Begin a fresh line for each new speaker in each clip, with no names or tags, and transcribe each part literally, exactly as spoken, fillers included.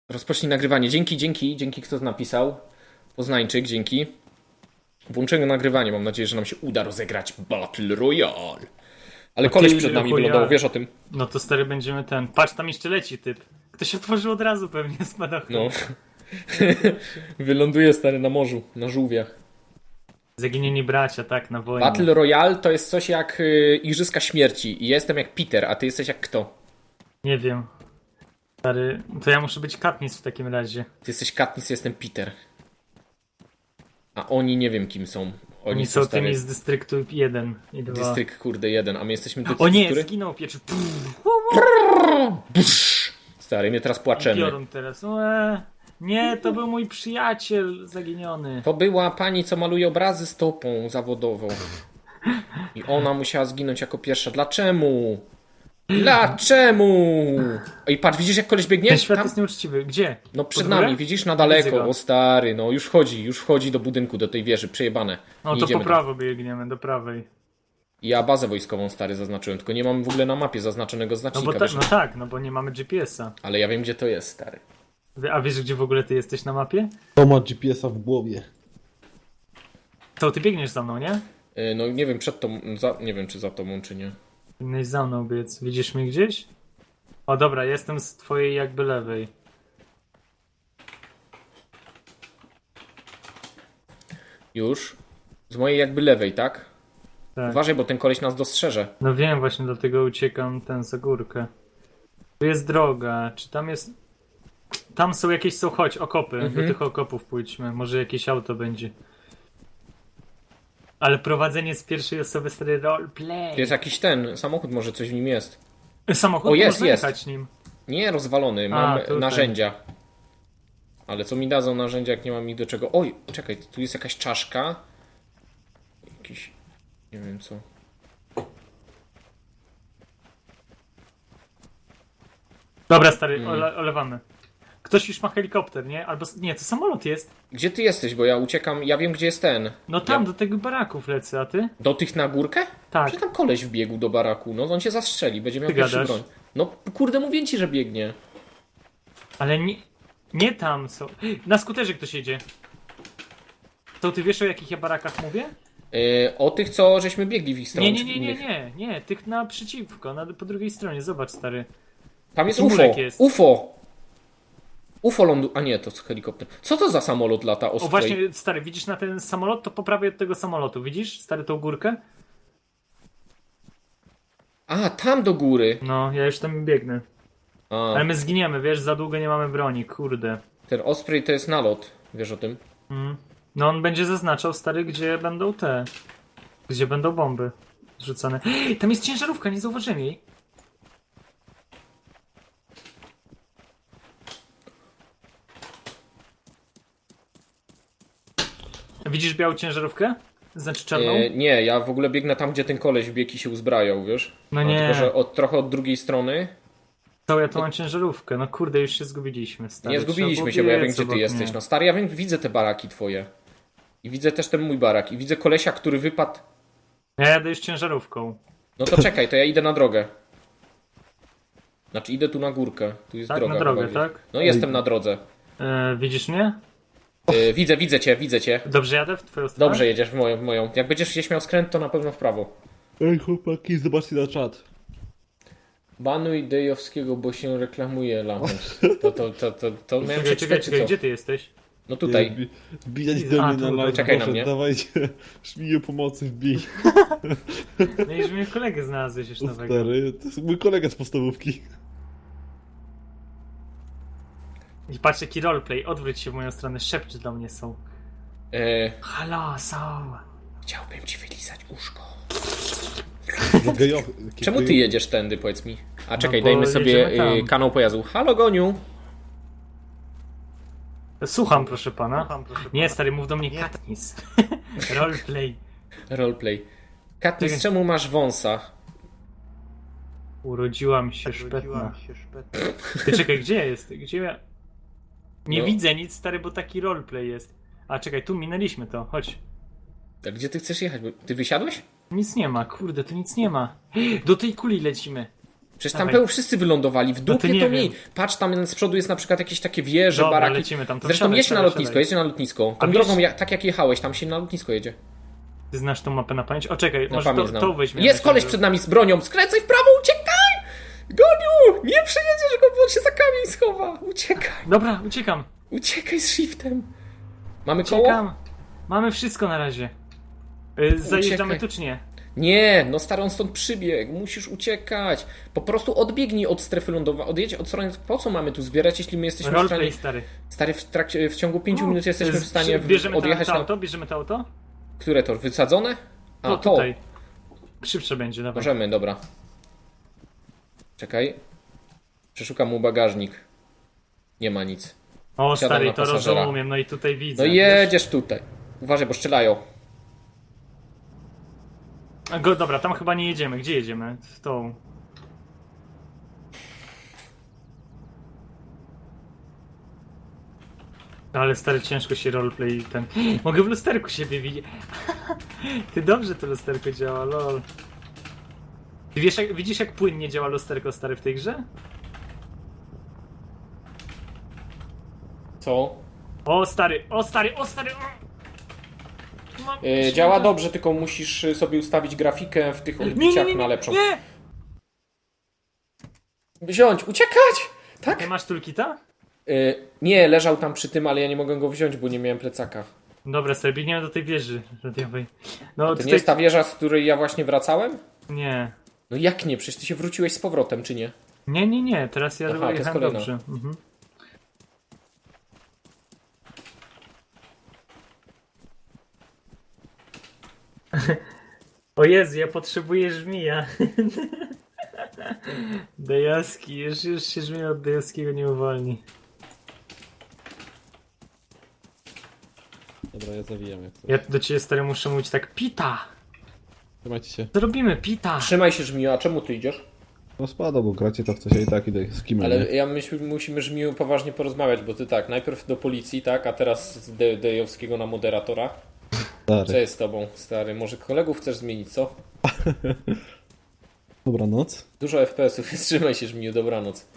Rozpocznij nagrywanie. Dzięki, dzięki, dzięki kto to napisał. Poznańczyk, dzięki. Włączymy nagrywanie. Mam nadzieję, że nam się uda rozegrać Battle Royale. Ale koleś przed nami wylądował, wiesz o tym.
No to stary będziemy ten. Patrz, tam jeszcze leci typ. Ktoś otworzył od razu pewnie spadochron.
No. Wyląduje stary na morzu, na żółwiach.
Zaginieni bracia, tak, na wojnie.
Battle Royale to jest coś jak y, Igrzyska Śmierci. I ja jestem jak Peter, a ty jesteś jak kto?
Nie wiem. Stary, to ja muszę być Katniss w takim razie.
Ty jesteś Katniss, ja jestem Peter. A oni nie wiem kim są. Oni,
Oni
są
są
stary...
tymi z Dystryktów jeden i dwa.
Dystrykt, kurde, jeden, a my jesteśmy...
O
dystrykt,
nie,
który?
zginął pieczy.
Stary, my teraz płaczemy.
Piorun teraz. Ue, nie, to był mój przyjaciel zaginiony.
To była pani, co maluje obrazy stopą zawodową. I ona musiała zginąć jako pierwsza. Dlaczemu? Dlaczemu? I patrz, widzisz jak koleś biegnie?
Ten świat
Tam?
jest nieuczciwy. Gdzie?
No przed
Pod górę?
nami, widzisz, na
Widzę
daleko.
go.
O stary, no już wchodzi, już wchodzi do budynku, do tej wieży, przejebane.
No
Nie
to
idziemy
po
tam.
prawo biegniemy, do prawej.
Ja bazę wojskową stary zaznaczyłem, tylko nie mam w ogóle na mapie zaznaczonego
No
znacznika.
bo ta,
wiesz?
no tak, no bo nie mamy G P S-a.
Ale ja wiem gdzie to jest, stary.
Wie- A wiesz, gdzie w ogóle ty jesteś na mapie?
To ma G P S-a w głowie.
To ty biegniesz za mną, nie?
Yy, No nie wiem przed tą, za, nie wiem czy za tobą czy nie.
Powinieneś za mną biec. Widzisz mnie gdzieś? O dobra, jestem z twojej jakby lewej.
Już. Z mojej jakby lewej, tak?
Tak.
Uważaj, bo ten koleś nas dostrzeże.
No wiem, właśnie dlatego uciekam ten za górkę. Tu jest droga. Czy tam jest... Tam są jakieś, są, chodź, okopy.
Mhm.
Do tych okopów pójdźmy. Może jakieś auto będzie. Ale prowadzenie z pierwszej osoby stary roleplay.
Jest jakiś ten, samochód może coś w nim jest.
Samochód,
O, jest,
można
jest.
jechać nim.
Nie, rozwalony, mam
tutaj.
narzędzia. Ale co mi dadzą narzędzia, jak nie mam ich do czego? Oj, czekaj, tu jest jakaś czaszka. Jakiś, nie wiem co.
Dobra, stary,
Mm.
ole, olewamy. Ktoś już ma helikopter, nie? Albo... Nie, to samolot jest.
Gdzie ty jesteś, bo ja uciekam, ja wiem gdzie jest ten.
No tam,
Ja,
do tego baraków lecę, a ty?
do tych na górkę?
Tak.
Czy tam koleś wbiegł do baraku? No on się zastrzeli, będzie miał
Ty
pierwszy
gadasz?
broń. No kurde, mówię ci, że biegnie.
Ale nie, nie tam są. Na skuterze ktoś jedzie. To ty wiesz, o jakich ja barakach mówię?
Yy, o tych, co żeśmy biegli w ich stronę.
Nie, nie,
czy
nie, nie,
innych.
nie, nie. Tych naprzeciwko, na, po drugiej stronie. Zobacz, stary.
Tam jest
Taki
U F O.
mulek jest.
U F O. U F O lądu... A nie, to jest helikopter. Co to za samolot lata?
O właśnie, stary, widzisz na ten samolot? To po prawej od tego samolotu. Widzisz, stary, tą górkę?
A, tam do góry.
No, ja już tam biegnę.
A,
Ale my zginiemy, wiesz, za długo nie mamy broni, kurde.
ten Osprey to jest nalot. Wiesz o tym?
Mm. No on będzie zaznaczał, stary, gdzie będą te... Gdzie będą bomby zrzucane. Tam jest ciężarówka, nie zauważyłem jej. Widzisz białą ciężarówkę? Znaczy czarną?
E, nie, ja w ogóle biegnę tam, gdzie ten koleś wbiegł i się uzbrajał, wiesz?
No
A,
nie.
Tylko, że od, trochę od drugiej strony.
To ja tu mam ciężarówkę. No kurde, już się zgubiliśmy, stary.
Nie
Trzeba
zgubiliśmy
było
się, bo ja wiem,
biec
gdzie ty
obok
jesteś.
mnie.
No stary, ja wiem, widzę te baraki twoje. I widzę też ten mój barak. I widzę kolesia, który wypadł.
Ja jadę już ciężarówką.
No to czekaj, to ja idę na drogę. Znaczy idę tu na górkę. Tu jest
Tak,
droga.
na drogę,
chyba gdzieś.
tak?
No jestem na drodze.
E, widzisz mnie?
E, widzę, widzę cię, widzę cię.
Dobrze jadę w twoją stronę?
Dobrze jedziesz w moją, w moją. Jak będziesz gdzieś miał skręt, to na pewno w prawo.
Ej chłopaki, zobaczcie na czat.
Banuj Dejowskiego, bo się reklamuje Lamus. To, to, to, to, to miałem
Czekaj, czekaj,
przeczytać, czy
czekaj,
co?
gdzie ty jesteś?
No tutaj.
Wbi- Wbijać do
A,
mnie na
tu,
live,
czekaj na
proszę,
mnie.
dawajcie. Szmiję pomocy, wbij.
No i że mnie kolegę znalazłeś już
O
nowego.
stary, to jest mój kolega z podstawówki.
I patrz jaki roleplay, odwróć się w moją stronę, szepczy do mnie są.
E,
Halo, są.
chciałbym ci wylizać uszko.
Gejo-
Czemu ty jedziesz tędy, powiedz mi? A czekaj,
No bo
dajmy sobie
jedziemy tam.
y, kanał pojazdu. Halo, Goniu.
Słucham, proszę pana. Nie, stary, mów do mnie Katniss. Roleplay.
Roleplay. Katniss,
Czekaj.
czemu masz wąsa?
Urodziłam się szpetna. Ty czekaj, gdzie jest? Gdzie ja... Nie
No.
widzę nic, stary, bo taki roleplay jest. A czekaj, tu minęliśmy to, chodź.
A gdzie ty chcesz jechać? Bo ty wysiadłeś?
Nic nie ma, kurde, tu nic nie ma. Do tej kuli lecimy.
Przecież tam
Dawaj.
peł wszyscy wylądowali. W
No to
dupie
nie
to
wiem.
mi. Patrz, tam z przodu jest na przykład jakieś takie wieże,
Dobra,
baraki.
lecimy tam. To
Zresztą
wsiadaj,
jedź na
wsiadaj,
lotnisko,
wsiadaj.
jedź na lotnisko. Tą
A
drogą,
wiesz-
jak, tak jak jechałeś, tam się na lotnisko jedzie.
Ty znasz tą mapę na pamięć? O, czekaj,
Na
może
pamięć
to,
znam.
to weźmiemy.
Jest koleś przed nami z bronią, skręcaj w prawo, uciekaj! Goniu! Nie przejedziesz go, bo on się za kamień schowa. Uciekaj,
Dobra, uciekam.
uciekaj z shiftem. Mamy koło?
Uciekam. Mamy wszystko na razie. Y, Zajeżdżamy
Uciekaj.
tu czy nie?
Nie, no stary, on stąd przybiegł, musisz uciekać. Po prostu odbiegnij od strefy lądowej, odjedź od strony, po co mamy tu zbierać, jeśli my jesteśmy w
Roleplay,
stanie...
stary.
Stary, w, trakcie, w ciągu pięciu minut jesteśmy
Y,
w stanie
przy- Bierzemy to,
odjechać
to
na...
auto? Bierzemy to auto?
Które to? Wysadzone? A,
To
to.
tutaj. Szybsze będzie, dawaj.
Możemy, dobra. Czekaj. Przeszukam mu bagażnik. Nie ma nic.
O,
Siadam
stary,
na
to
pasażera.
rozumiem, no i tutaj widzę.
No
wiesz?
jedziesz tutaj. Uważaj, bo strzelają.
A Go, dobra, tam chyba nie jedziemy. Gdzie jedziemy? W tą. Ale stary, ciężko się roleplay ten... Mogę w lusterku siebie widzieć. Ty dobrze to lusterko działa, lol. Ty wiesz, jak, widzisz jak płynnie działa lusterko, stary, w tej grze?
Co?
O stary, o stary, o stary! O! Mam-
Yy, działa dobrze, tylko musisz y, sobie ustawić grafikę w tych
Nie, nie,
odbiciach
nie,
na
nie,
lepszą.
nie!
Wziąć, uciekać! Tak?
Nie masz tulkita?
Yy, nie, leżał tam przy tym, ale ja nie mogłem go wziąć, bo nie miałem plecaka.
Dobra, stary, biegniemy do tej wieży radiowej. No,
To
tutaj...
nie jest ta wieża, z której ja właśnie wracałem?
Nie.
No jak nie? Przecież ty się wróciłeś z powrotem, czy nie?
Nie, nie, nie, teraz ja
Aha, to jest
jechałem
kolejna.
dobrze. Mhm. O Jezu, ja potrzebuję żmija. Dejaski, już, już się żmija od Dejaskiego nie uwolni.
Dobra, ja zawijam jak coś.
Ja do ciebie stary muszę mówić tak, Pita!
Trzymajcie się.
Co robimy, Pita?
Trzymaj się, Żmiju, a czemu ty idziesz?
No spada, bo gracie to w coś, ja i tak idę z kim,
Ale
nie?
ja myślę, musimy Żmiju poważnie porozmawiać, bo ty tak, najpierw do policji, tak, a teraz z De Dejowskiego na moderatora. Co
Stary.
jest z tobą, stary? Może kolegów chcesz zmienić, co?
Dobranoc.
Dużo F P S-ów, trzymaj się, Żmiju, dobranoc.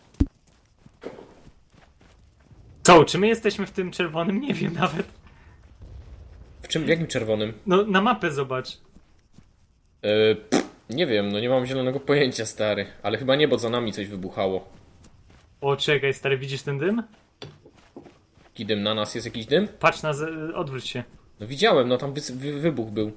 Co, czy my jesteśmy w tym czerwonym? Nie wiem nawet.
W czym, w jakim czerwonym?
No, na mapę zobacz.
Yy, pff, nie wiem, no nie mam zielonego pojęcia, stary. Ale chyba nie, bo za nami coś wybuchało.
O, czekaj, stary, widzisz ten dym?
Jaki dym? Na nas jest jakiś dym?
Patrz na... Z... odwróć się.
No widziałem, no tam wy wy wybuch był.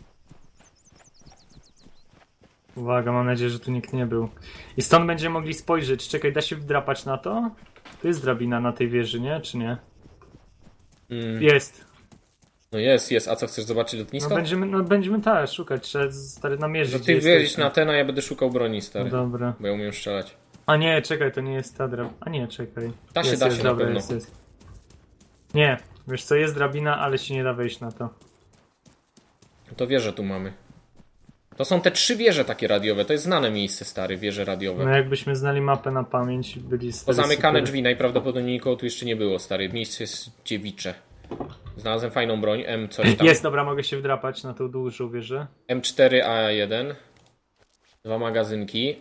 Uwaga, mam nadzieję, że tu nikt nie był. I stąd będziemy mogli spojrzeć. Czekaj, da się wdrapać na to? Tu jest drabina na tej wieży, nie? Czy nie?
Mm,
Jest.
no jest, jest. A co, chcesz zobaczyć
No
lotnisko?
będziemy, no będziemy tak szukać. Trzeba stary namierzyć.
No
gdzie
ty
jesteśmy.
wjedziesz na ten, a ja będę szukał broni, stary.
No dobra.
Bo ja umiem strzelać.
A nie, czekaj, to nie jest ta drabina. A nie, czekaj.
Da się,
jest,
da
jest,
się na
dobra,
pewno.
jest, jest. Nie, wiesz co, jest drabina, ale się nie da wejść na to.
To wieże tu mamy. To są te trzy wieże takie radiowe. To jest znane miejsce, stary, wieże radiowe.
No jakbyśmy znali mapę na pamięć i byli stary,
Pozamykane
super.
drzwi, najprawdopodobniej nikogo tu jeszcze nie było, stary. Miejsce jest dziewicze. Znalazłem fajną broń, M coś tam.
Jest, dobra, mogę się wdrapać na tą dużą wieżę.
M cztery A jeden. Dwa magazynki.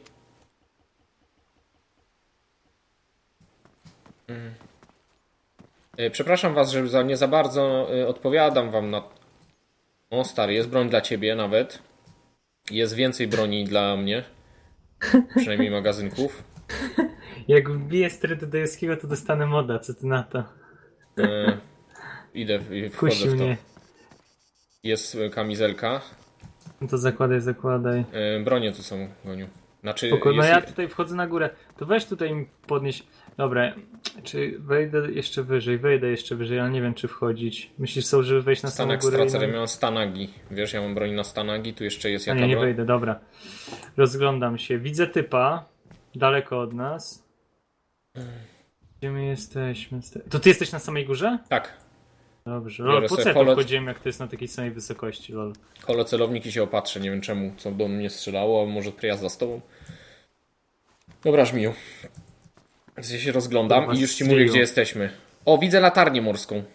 Mm. E, Przepraszam was, że za, nie za bardzo e, odpowiadam wam na... O stary, jest broń dla ciebie nawet. Jest więcej broni dla mnie. Przynajmniej magazynków.
Jak wbiję stary do Dejowskiego, to dostanę moda, co ty na to?
E, idę, i wchodzę
Kusi
w to.
mnie.
Jest e, kamizelka.
No to zakładaj, zakładaj.
E, bronie tu są, Goniu. Znaczy,
Spoko, no
jest...
ja tutaj wchodzę na górę. To weź tutaj mi podnieś. Dobra, czy wejdę jeszcze wyżej? Wejdę jeszcze wyżej, ale nie wiem czy wchodzić. Myślisz są, żeby wejść na samą
Stanek
górę?
stracer,
i
ja
na...
miałem stanagi. Wiesz, ja mam broń na stanagi, tu jeszcze jest
A
jaka
nie, nie
broń?
wejdę, dobra. Rozglądam się. Widzę typa. Daleko od nas. Gdzie my jesteśmy? To ty jesteś na samej górze?
Tak.
Dobrze.
Biorę
Lol, po co
sobie
ja tu
polec-
wchodziłem, jak to jest na takiej samej wysokości, lol.
Kolo celownik i się opatrzę, nie wiem czemu, co do mnie strzelało, a może prijazda z tobą. Dobra, Żmiju. Więc ja się rozglądam
Kurwa,
i już ci
strzelił.
mówię, gdzie jesteśmy. O, widzę latarnię morską.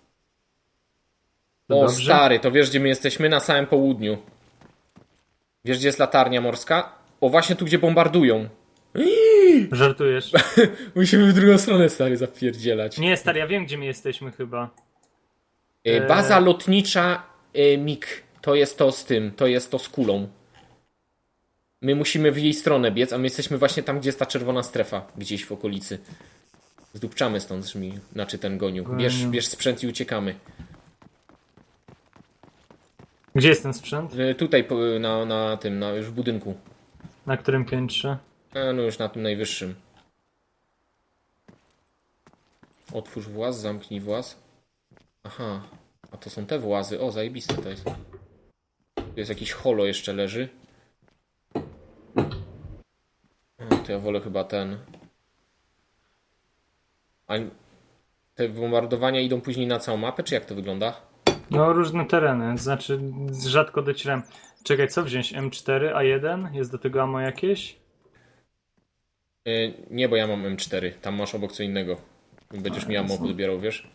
To
O,
dobrze?
stary, to wiesz, gdzie my jesteśmy? Na samym południu. Wiesz, gdzie jest latarnia morska? O, właśnie tu, gdzie bombardują.
Żartujesz?
Musimy w drugą stronę, stary, zapierdzielać.
Nie, stary, ja wiem, gdzie my jesteśmy chyba.
E, Baza lotnicza e, MiG. To jest to z tym, to jest to z kulą. My musimy w jej stronę biec, a my jesteśmy właśnie tam, gdzie jest ta czerwona strefa. Gdzieś w okolicy. Zdupczamy stąd, Żmi. Znaczy ten goniu. Bierz,
Goniu.
bierz sprzęt i uciekamy.
Gdzie jest ten sprzęt?
E, tutaj po- na, na tym, na, już w budynku.
Na którym piętrze?
E, no już na tym najwyższym. Otwórz właz, zamknij właz. Aha. A to są te włazy. O, zajebiste to jest. Tu jest jakiś holo jeszcze leży. O, to ja wolę chyba ten. A te bombardowania idą później na całą mapę, czy jak to wygląda?
No, różne tereny, znaczy rzadko docieram. Czekaj, co wziąć? M cztery, A jeden? Jest do tego ammo jakieś?
Yy, nie, bo ja mam M cztery. Tam masz obok co innego. Będziesz mi ammo podbierał, wiesz?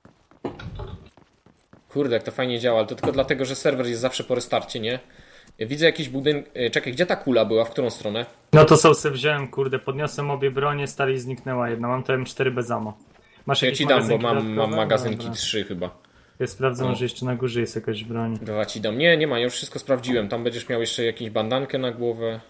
Kurde, jak to fajnie działa, ale to tylko dlatego, że serwer jest zawsze po restarcie, nie? Widzę jakiś budynek. Czekaj, gdzie ta kula była? W którą stronę?
No to są se wziąłem, kurde, podniosłem obie bronie, stary, i zniknęła jedna. Mam to M cztery bez ammo. Masz
Ja
jakieś
ci dam, bo
magazynki
mam, mam
dodatkowe?
magazynki
Dobra.
trzy chyba.
Ja sprawdzę,
O.
może jeszcze na górze jest jakaś broń.
Dwa ci dam. Nie, nie ma, ja już wszystko sprawdziłem. Tam będziesz miał jeszcze jakąś bandankę na głowę.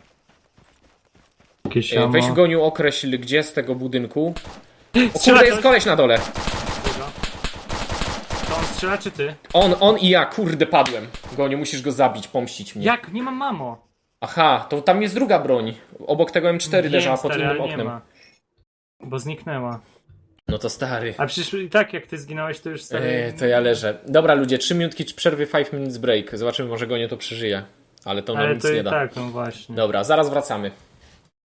Jakieś
E,
ammo.
Weź goniu, określ gdzie z tego budynku. O
Strzela
kurde, jest
ktoś?
koleś na dole.
Tego. To on strzela, czy ty?
On, on i ja, kurde, padłem. Goniu, musisz go zabić, pomścić mnie.
Jak? Nie mam mamo.
Aha, to tam jest druga broń. Obok tego M cztery
Wiem,
leżała pod
stary,
innym
ale nie
oknem.
ma. Bo zniknęła.
No to stary.
A przecież i tak jak ty zginąłeś, to już stary...
Eee, to ja leżę. Dobra ludzie, trzy minutki przerwy, five minutes break. Zobaczymy, może Gonio to przeżyje. Ale to nam
Ale
nic
to
nie
i
da.
tak, no właśnie.
Dobra, zaraz wracamy.